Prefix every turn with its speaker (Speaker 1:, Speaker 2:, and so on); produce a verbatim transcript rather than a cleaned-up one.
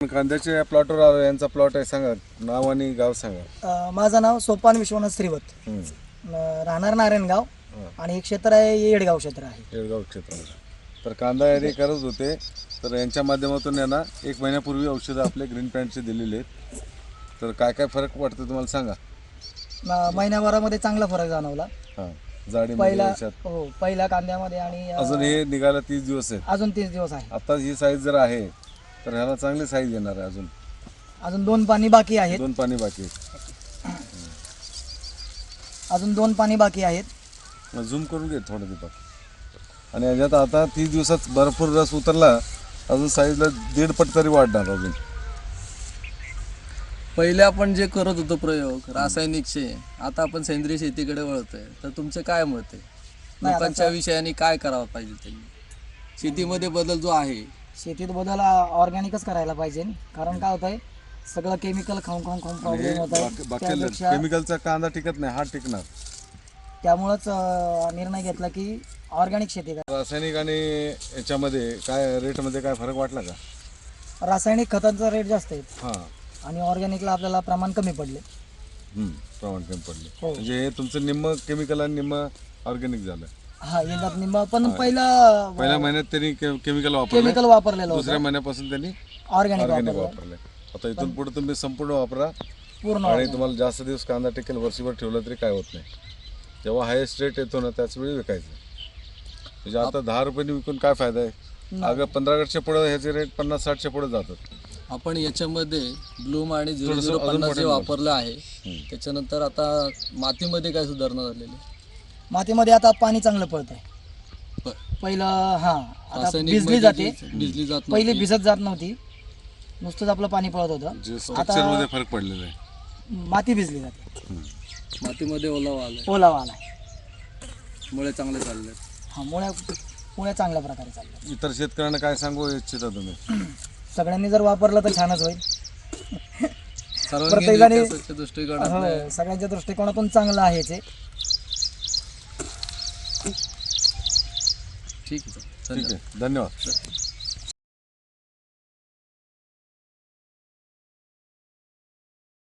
Speaker 1: कांद्याच्या प्लॉटवर आलो. यांचा प्लॉट आहे, सांगा नाव आणि गाव सांगा.
Speaker 2: अ, माझं नाव सोपान विश्वनाथ श्रीवत,
Speaker 1: हम्म.
Speaker 2: अ, राहणार नारायणगाव आणि एक क्षेत्र आहे येडगाव क्षेत्र आहे.
Speaker 1: येळगाव क्षेत्र. तर कांदा यादी करत होते, तर यांच्या माध्यमातून यांना एक महिन्यापूर्वी औषधं आपले ग्रीन पॅन्टचे दिलेले आहेत. तर काय काय फरक वाटतो तुम्हाला सांगा.
Speaker 2: अ, महिन्याभरामध्ये चांगला फरक जाणवला.
Speaker 1: हां, जाडी
Speaker 2: पहिला
Speaker 1: याच्यात
Speaker 2: हो पहिल्या कांद्यामध्ये आणि अ,
Speaker 1: अजून हे निघायला तीस दिवस आहेत.
Speaker 2: अजून तीस दिवस आहे.
Speaker 1: आता ही साईज जर आहे तर ह्याला चांगली साईज येणार आहे. अजून
Speaker 2: अजून दोन पाणी बाकी आहेत.
Speaker 1: दोन पाणी बाकी आहेत.
Speaker 2: अजून दोन पाणी बाकी आहेत.
Speaker 1: झूम करून घे थोडं दीपक. आणि याच्यात आता तीस दिवसात भरपूर रस उतरला, अजून साईजला दीड पट तरी वाढणार अजून.
Speaker 3: पहिले आपण जे करत होतो प्रयोग रासायनिकचे, आता आपण सेंद्रिय शेतीकडे वळतोय. तर तुमचं काय मत आहे, लोकांच्या विषयाने काय करावं पाहिजे त्यांनी? शेतीमध्ये बदल जो आहे,
Speaker 2: शेतीत बदल ऑर्गॅनिकच करायला पाहिजे, कारण काय होतंय सगळं केमिकल खाऊन खाऊन खाऊन प्रॉब्लेम होत आहे. त्यापेक्षा
Speaker 1: केमिकलचा कांदा टिकत नाही, हा टिकणार.
Speaker 2: त्यामुळंच अ, निर्णय घेतला की ऑर्गॅनिक शेती करा.
Speaker 1: रासायनिक आणि याच्यामध्ये काय रेटमध्ये काय फरक वाटला का?
Speaker 2: रासायनिक खतांचा रेट जास्त आहे
Speaker 1: हां,
Speaker 2: आणि ऑर्गॅनिकला आपल्याला प्रमाण कमी पडले.
Speaker 1: हम्म, प्रमाण कमी पडले.
Speaker 2: हो.
Speaker 1: म्हणजे हे तुमचं निम्म केमिकल आणि निम्म ऑर्गॅनिक झालं.
Speaker 2: हा येतात निंबा, पण पहिला
Speaker 1: पहिल्या महिन्यात त्यांनी केमिकल वापरलं,
Speaker 2: केमिकल वापरलेलं
Speaker 1: दुसऱ्या
Speaker 2: होतं,
Speaker 1: महिन्यापासून त्यांनी
Speaker 2: ऑर्गॅनिक
Speaker 1: ऑर्गॅनिक
Speaker 2: वापरलं
Speaker 1: वापरले. आता इथून पुढे तुम्ही संपूर्ण वापरा
Speaker 2: पूर्ण
Speaker 1: आणि
Speaker 2: organic.
Speaker 1: तुम्हाला जास्त दिवस कांदा टिकेल, वर्षभर ठेवला तरी काय होत नाही. जेव्हा हायेस्ट रेट येतो ना त्याच वेळी विकायचं. म्हणजे आता दहा रुपयांनी विकून काय फायदा आहे? अगं पंधरा वर्षाच्या पुढे ह्याचे रेट पन्नास साठच्या पुढे जातात.
Speaker 3: आपण याच्यामध्ये ब्लूम आणि झिरो
Speaker 1: थोडंसं
Speaker 3: झिरो
Speaker 1: अजून
Speaker 3: पन्नास जे
Speaker 1: मोठं
Speaker 3: वापरलं आहे, त्याच्यानंतर आता मातीमध्ये काय सुधारणा झालेली?
Speaker 2: मातीमध्ये आता पाणी चांगलं पडतंय.
Speaker 3: प-
Speaker 2: पहिलं हा आता
Speaker 3: रासायनिक
Speaker 2: भिजली
Speaker 3: मध्ये
Speaker 2: जाते,
Speaker 3: जी- भिजली जात
Speaker 2: पहिली
Speaker 3: नव्हती.
Speaker 2: भिजत जात नव्हती, नुसतंच आपलं पाणी पळत होतं.
Speaker 1: जे स्ट्रक्चरमध्ये फरक पडलेला आहे.
Speaker 2: माती भिजली जाते,
Speaker 3: मातीमध्ये ओलावा आलाय,
Speaker 2: ओलावा आलाय.
Speaker 3: मुळे चांगले चालले.
Speaker 2: हा मुळ्या मुळ्या चांगल्या प्रकारे चालल्या.
Speaker 1: इतर शेतकऱ्यांना काय सांगू इच्छिता तुम्ही?
Speaker 2: सगळ्यांनी जर वापरलं तर छानच होईल.
Speaker 3: सर्वांगीण
Speaker 2: प्रत्येकाने-
Speaker 3: विकासाच्या दृष्टिकोनातून
Speaker 2: हो, सगळ्यांच्या दृष्टिकोनातून चांगलं आहे ते.
Speaker 3: ठीक आहे,
Speaker 1: ठीक आहे, धन्यवाद.